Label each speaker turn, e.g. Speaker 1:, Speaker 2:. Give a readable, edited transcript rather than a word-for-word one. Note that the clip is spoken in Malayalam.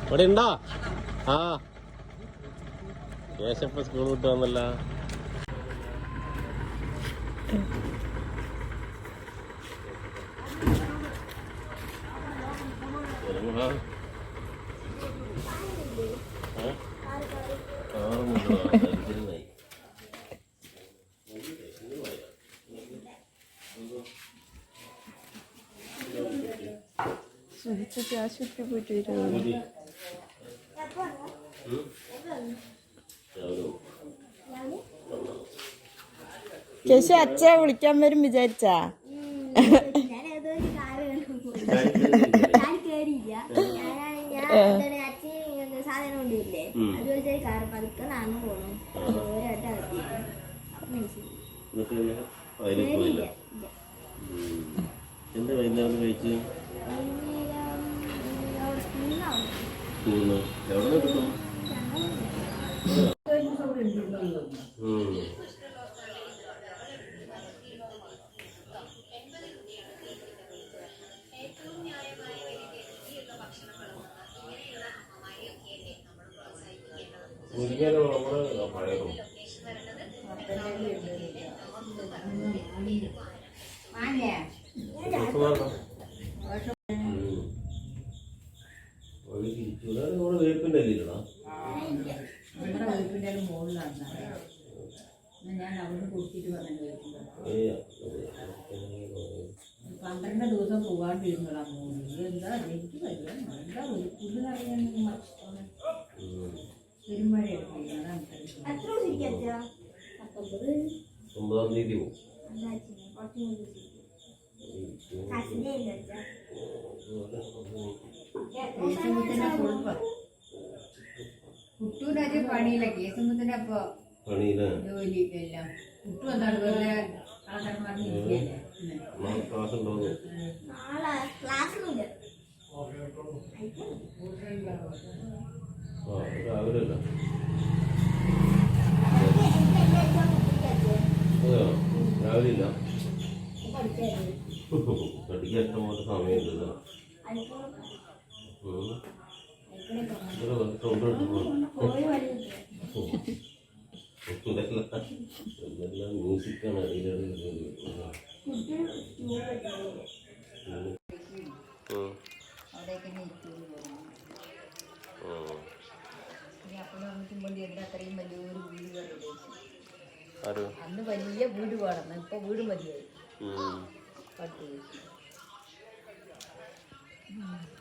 Speaker 1: ഇവിടെ ഉണ്ടോ? ആ കേശപ്പ സ്കൂൾ വിട്ട് വന്നല്ല.
Speaker 2: ആശുപത്രി പോയിട്ട് വരുമോ? കേശു അച്ഛ വിളിക്കാൻ വരും വിചാരിച്ചാ?
Speaker 3: സാധനം കൊണ്ടില്ലേ അതുപോലത്തെ കാറ് പതുക്കെ നടന്നു പോകണം.
Speaker 1: എന്താ വൈകുന്നേരം കഴിച്ച്? എവിടെ കിട്ടും? വേപ്പിന്റെ അല്ലില്ലടാ,
Speaker 4: വേപ്പിന്റെ മുകളിലാണ്. ഞാൻ അവിടെ കൊടുത്തിട്ട് പറഞ്ഞു 12 ദിവസം പോകാണ്ടിരുന്നതാ മോന്. എന്താ എനിക്ക് വരിക എന്താ ഒരു പുല്ല് അറിയാൻ പെരുമഴ എടുക്കുന്നത്.
Speaker 1: 9-ാം തീയതി പോകും.
Speaker 4: കുട്ടൂരത് പണിയില്ല. കേസുമ്പത്തിന് അപ്പൊ ജോലി എല്ലാം കുട്ടു എന്താണ് വെറുതെ
Speaker 1: രാവിലെ ഇല്ല, പഠിക്കാൻ ഇഷ്ടംപോലെ സമയമില്ല. ഇതെല്ലാം മ്യൂസിക്കാണ് അറിയാതെ.
Speaker 4: അന്ന് വലിയ വീട് വേണം, ഇപ്പൊ വീട് മതിയായി.